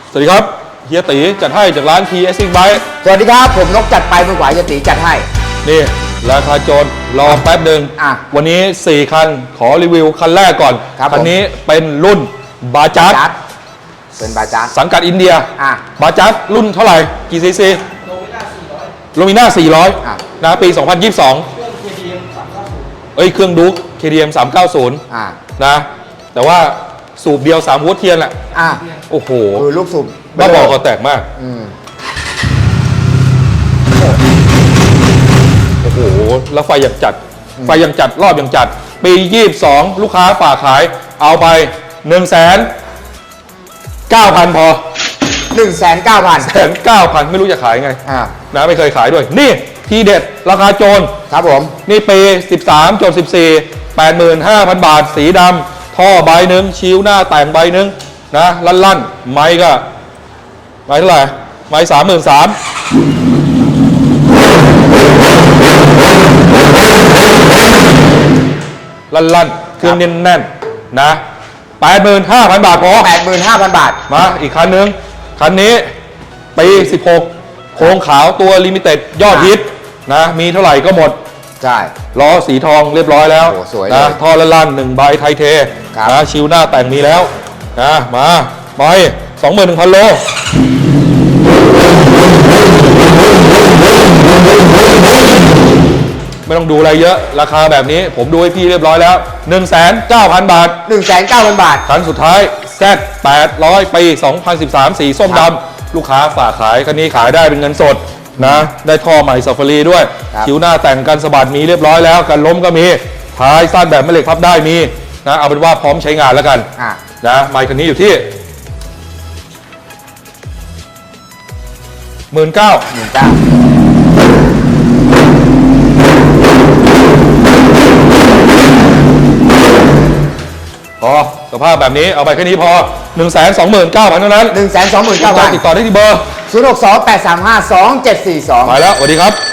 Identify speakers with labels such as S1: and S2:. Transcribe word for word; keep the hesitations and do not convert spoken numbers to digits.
S1: สวัสดีครับเฮียตีจัดให้จากร้าน ที เอส Bike
S2: สวัสดีครับผมนกจัดไปมือขวาเฮียตีจัดให้
S1: นี่ราคาโจรรอแป๊บหนึ่งวันนี้สี่คันขอรีวิวคันแรกก่อนคันนี้เป็นรุ่นบาจัด
S2: เป็นบาจัด
S1: สังกัดอินเดียบาจัดรุ่นเท่าไหร่กี่ซีซีโลมิน่าสี่ร้อยนะปีสองพันยี่สิบสองเอ้ยเครื่องดู๊ก เค ดี เอ็ม สามเก้าศูนย์นะแต่ว่าสูบเดียวสามหัวเทียนแหละโอ้โห
S2: คือลูกสูบ
S1: บ้าบอกก็แตกมากโอ้โหแล้วไฟอย่างจัดไฟอย่างจัดรอบอย่างจัดปียี่สิบสองลูกค้าฝากขายเอาไปหนึ่งแสนเก้าพันพอ
S2: หนึ่งแสนเก้าพัน
S1: แสนเก้าพันไม่รู้จะขายไงนะไม่เคยขายด้วยนี่ทีเด็ดราคาโจร
S2: ครับผม
S1: นี่ปีสิบสามจดสิบสี่ แปดหมื่นห้าพันบาทสีดำท่อใบหนึ่งชิวหน้าแต่งใบหนึ่งนะลั่นลั่นไม้ก็ไม้เท่าไหร่ไม้สามหมื่นสามลั่นลั่นเครื่องแน่นแน่นนะแปดหมื่นห้าพันบาทพอ
S2: แปดหมื่นห้าพันบาท
S1: มาอีกคันนึงคันนี้ปีสิบหกโครงขาวตัวลิมิเต็ดยอดฮิตนะมีเท่าไหร่ก็หมด
S2: ใช่
S1: ล้อสีทองเรียบร้อยแล้วนะท่อละลั่นหนึ่งใบไทเทนะชิวหน้าแต่งมีแล้วนะมาไปสองหมื่นหนึ่งพันโลไม่ต้องดูอะไรเยอะราคาแบบนี้ผมดูให้พี่เรียบร้อยแล้ว หนึ่งแสนเก้าพัน บาท
S2: หนึ่งแสนเก้าพัน บาท
S1: คันสุดท้าย แซด แปดร้อย ปี สองพันสิบสาม สีส้มดำลูกค้าฝากขายคันนี้ขายได้เป็นเงินสดนะได้ท่อใหม่ซาฟารีด้วยคิ้วหน้าแต่งกันสะบัดมีเรียบร้อยแล้วกันล้มก็มีท้ายสั้นแบบแม่เหล็กพับได้มีนะเอาเป็นว่าพร้อมใช้งานแล้วกันนะไมค์คันนี้อยู่ที่หมื่นเก้าหมื่นเก้าพอสภาพแบบนี้เอาไปแค่นี้พอ หนึ่งแสนสองหมื่นเก้าพัน เท่านั้น
S2: หนึ่งแสนสองหมื่นเก้าพัน
S1: ติดต่อได้ที่เบอร์
S2: ศูนย์ หก สอง แปด สาม ห้า สอง เจ็ด สี่ สอง
S1: ไปแล้วสวัสดีครับ